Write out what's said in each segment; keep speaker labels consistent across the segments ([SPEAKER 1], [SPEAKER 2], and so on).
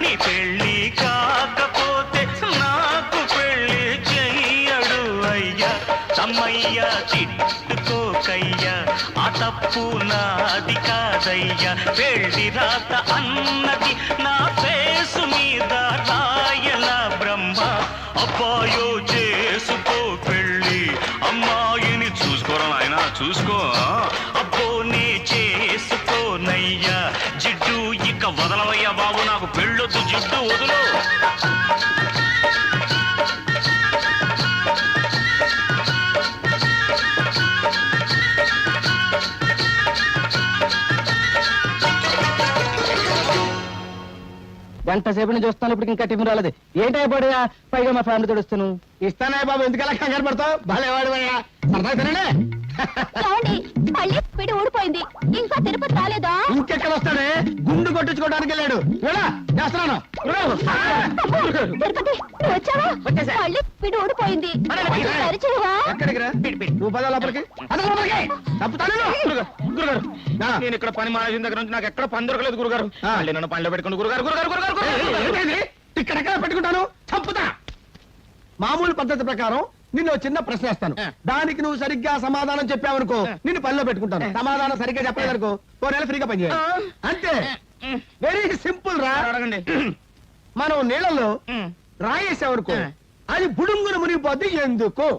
[SPEAKER 1] నీ పెళ్లి కాకపోతే నాకు పెళ్లి చెయ్యడు అయ్యా తమ్మయ్య చిట్టుకోకయ్యా ఆ తప్పు నాది కాదయ్యా పెళ్లి రాత అన్నది నా ఫేసు మీద రాయల బ్రహ్మ అబ్బాయో చేసుకో పెళ్ళి అమ్మాయిని చూసుకోరా నాయనా చూసుకో అబ్బోనే చేసుకోనయ్యా జిడ్డు ఇక వదలవయ్యా బాబు నాకు పెళ్ళొద్దు జిడ్డు వదులు
[SPEAKER 2] గంట సేపు నుంచి చూస్తాను ఇప్పుడు ఇంకా టిఫిన్ రాలేదు ఏంటైపోయా పైగా మా ఫ్యామిలీ తోడుస్తాను ఇస్తానే బాబు ఎందుకలా కంగారు పడతావు బాగాలేవాడు సరదా తినండి
[SPEAKER 3] మళ్ళీ పిడి ఊడిపోయింది ఇంకా తిరుపతి రాలేదా
[SPEAKER 2] ఇంకెక్కడ వస్తాడే గుండు కొట్టించుకోవడానికి వెళ్ళాడు చేస్తున్నాను
[SPEAKER 3] తిరుపతి నువ్వు వచ్చావా మళ్ళీ పిడి ఊడిపోయింది
[SPEAKER 2] ఎక్కడికి రా నువ్వు పద లోపలికి
[SPEAKER 1] నేను ఇక్కడ పని మానేసిన దగ్గర నుంచి నాకు ఎక్కడ పని దొరకలేదు గురుగారు నన్ను పనిలో పెట్టుకుని గురుగారు గురుగారు గురుగారు
[SPEAKER 2] ఇక్కడెక్కడ పెట్టుకుంటాను చంపుతా మామూలు పద్ధతి ప్రకారం నిన్ను చిన్న ప్రశ్న వేస్తాను దానికి నువ్వు సరిగ్గా సమాధానం చెప్పావనుకో నిన్ను పనిలో పెట్టుకుంటాను సమాధానం సరిగ్గా చెప్పలేదనుకో 4 నెలలు ఫ్రీగా పనిచేయాలి అంతే వెరీ సింపుల్ రా
[SPEAKER 1] అడగండి
[SPEAKER 2] మనం నీళ్ళలో రాయేసావనుకో అది బుడుంగును మునిగిపోద్ది ఎందుకు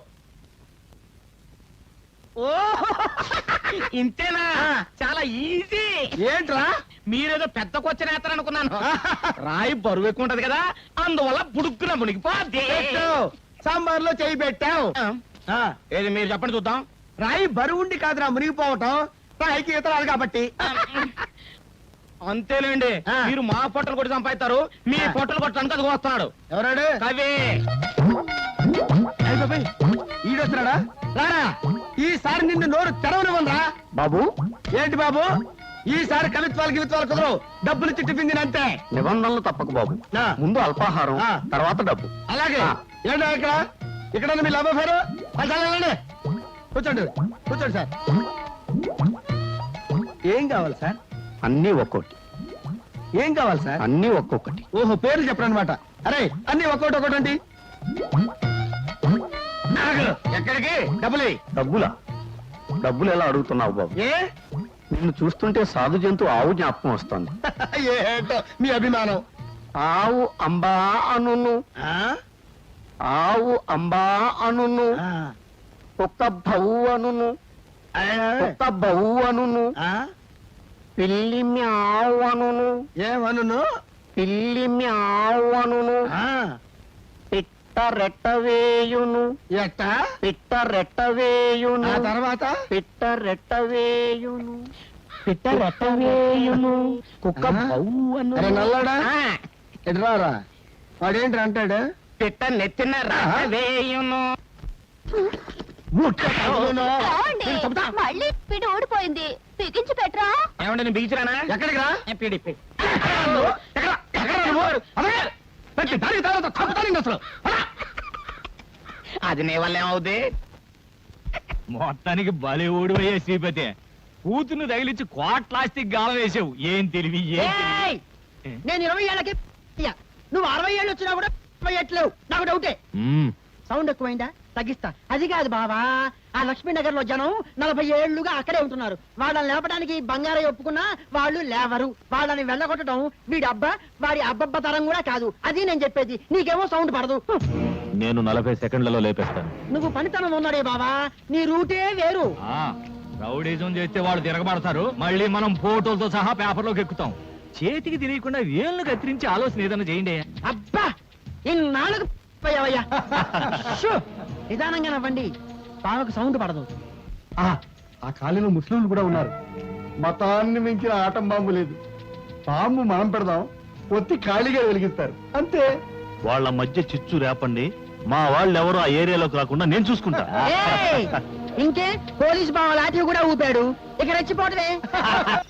[SPEAKER 1] ఇంతేనా చాలా ఈజీ
[SPEAKER 2] ఏంట్రా
[SPEAKER 1] మీరేదో పెద్ద క్వశ్చన్ వేస్తారనుకున్నాను రాయి బరువు ఎక్కువ ఉంటది కదా అందువల్ల బుడుక్కున మునిగిపోద్ది
[SPEAKER 2] సాంబార్లో చేయి పెట్టావు
[SPEAKER 1] ఏది మీరు చెప్పండి చూద్దాం
[SPEAKER 2] రాయి బరువుండి కాదురా మునిగిపోవటం రాయికి ఈతరాలు కాబట్టి
[SPEAKER 1] అంతేలేండి మీరు మా పొట్టలు కొట్టి సంపాదిస్తారు మీ పొట్టలు కొట్టడానికి అది వస్తున్నాడు
[SPEAKER 2] ఎవరాడు
[SPEAKER 1] కవి
[SPEAKER 2] ఈడొస్తున్నాడా రారా ఈసారి నిన్ను నోరు తెరవనివ్వనరా
[SPEAKER 1] బాబు
[SPEAKER 2] ఏంటి బాబు ఈసారి కవిత్వాలు కుదరవు డబ్బులు ఇచ్చి టిఫిన్ తినంతే
[SPEAKER 1] నిబంధనలు తప్పకు బాబు ముందు అల్పాహారం తర్వాత డబ్బు
[SPEAKER 2] అలాగే ఏంటో ఇక్కడ మీ లవ్ అఫేరు కూర్చోండి కూర్చోండి సార్ ఏం కావాలి సార్
[SPEAKER 1] అన్ని ఒక్కొక్కటి
[SPEAKER 2] ఏం కావాలి సార్
[SPEAKER 1] అన్ని ఒక్కొక్కటి
[SPEAKER 2] ఓహో పేర్లు చెప్పండి అనమాట అరే అన్ని ఒక్కొక్కటి ఎక్కడికి
[SPEAKER 1] డబ్బులా డబ్బులు ఎలా అడుగుతున్నావు బాబు
[SPEAKER 2] ఏ
[SPEAKER 1] నిన్ను చూస్తుంటే సాధు జంతు ఆవు జ్ఞాపకం వస్తుంది
[SPEAKER 2] ఏంటో మీ అభిమానం
[SPEAKER 1] ఆవు అంబా అనును ఆవు అంబా అనును ఒక్క బౌ అనును ఒక్క బౌ అనును పిల్లి మ్యావ్ అనును
[SPEAKER 2] ఏమను
[SPEAKER 1] పిల్లి మ్యావ్ అనును పిట్ట రెట్టవేయును
[SPEAKER 2] ఎట్ట
[SPEAKER 1] పిట్ట రెట్టవేయును
[SPEAKER 2] తర్వాత
[SPEAKER 1] పిట్ట రెట్టవేయును పిట్ట రెట్టవేయును కుక్క బౌ
[SPEAKER 2] అరే నల్లాడా ఎటురారా వాడేంటి అంటాడు
[SPEAKER 1] పిట్ట నెత్తిన వేయును
[SPEAKER 3] మళ్ళీ పిడి ఊడిపోయింది బిగించి పెట్టరా
[SPEAKER 1] ఏమంటే నేను బిగించరానా
[SPEAKER 2] ఎక్కడికి రా
[SPEAKER 1] పిడిపి అది నీ వల్ల ఏమవుద్ది
[SPEAKER 4] మొత్తానికి బలి ఓడిపోయే శ్రీపతి కూతురు తగిలించి కోట్లాస్తికి గాలం వేసావు ఏం తెలివి
[SPEAKER 5] నేను 20 ఏళ్ళకి నువ్వు 60 ఏళ్ళు వచ్చినా కూడా 20 ఏట్లేవు నాకు డౌటే సౌండ్ ఎక్కువైందా తగ్గిస్తా అది కాదు బావా ఆ లక్ష్మీనగర్ లో జనం 40 ఏళ్లుగా అక్కడే ఉంటున్నారు వాళ్ళని లేపడానికి బంగారయ్య ఒప్పుకున్నా వాళ్ళు లేవరు వాళ్ళని వెళ్ళగొట్టడం వీడి అబ్బా వాడి అబ్బబ్బ తరం కూడా కాదు అది నేను చెప్పేది నీకేమో సౌండ్ పడదు
[SPEAKER 4] నేను 40 సెకండ్లలో లేపేస్తాను
[SPEAKER 5] నువ్వు పనితనం ఉన్నాడే బావా నీ రూటే వేరు
[SPEAKER 4] రౌడీజం చేస్తే వాళ్ళు తిరగబడతారు మళ్ళీ మనం ఫోటోలతో సహా పేపర్లోకి ఎక్కుతాం చేతికి తెలియకుండా వేళ్ళు కత్తిరించి ఆలోచన ఏదైనా చేయండి
[SPEAKER 5] అబ్బా ఇన్నాళ్ళకు పోయావయ్యా నిదానంగా నవ్వండి బావకు సౌండ్ పడదు
[SPEAKER 2] ఆ కాలనీలో ముస్లింలు కూడా ఉన్నారు మతాన్ని మించిన ఆటం బాంబు లేదు బాంబు మనం పెడదాం ఒత్తి ఖాళీగా వెలిగిస్తారు అంతే
[SPEAKER 4] వాళ్ళ మధ్య చిచ్చు రేపండి మా వాళ్ళు ఎవరు ఆ ఏరియాలోకి రాకుండా నేను చూసుకుంటా
[SPEAKER 5] ఇంకే పోలీస్ బావ లాఠీ కూడా ఊపాడు ఇక రెచ్చిపోవటమే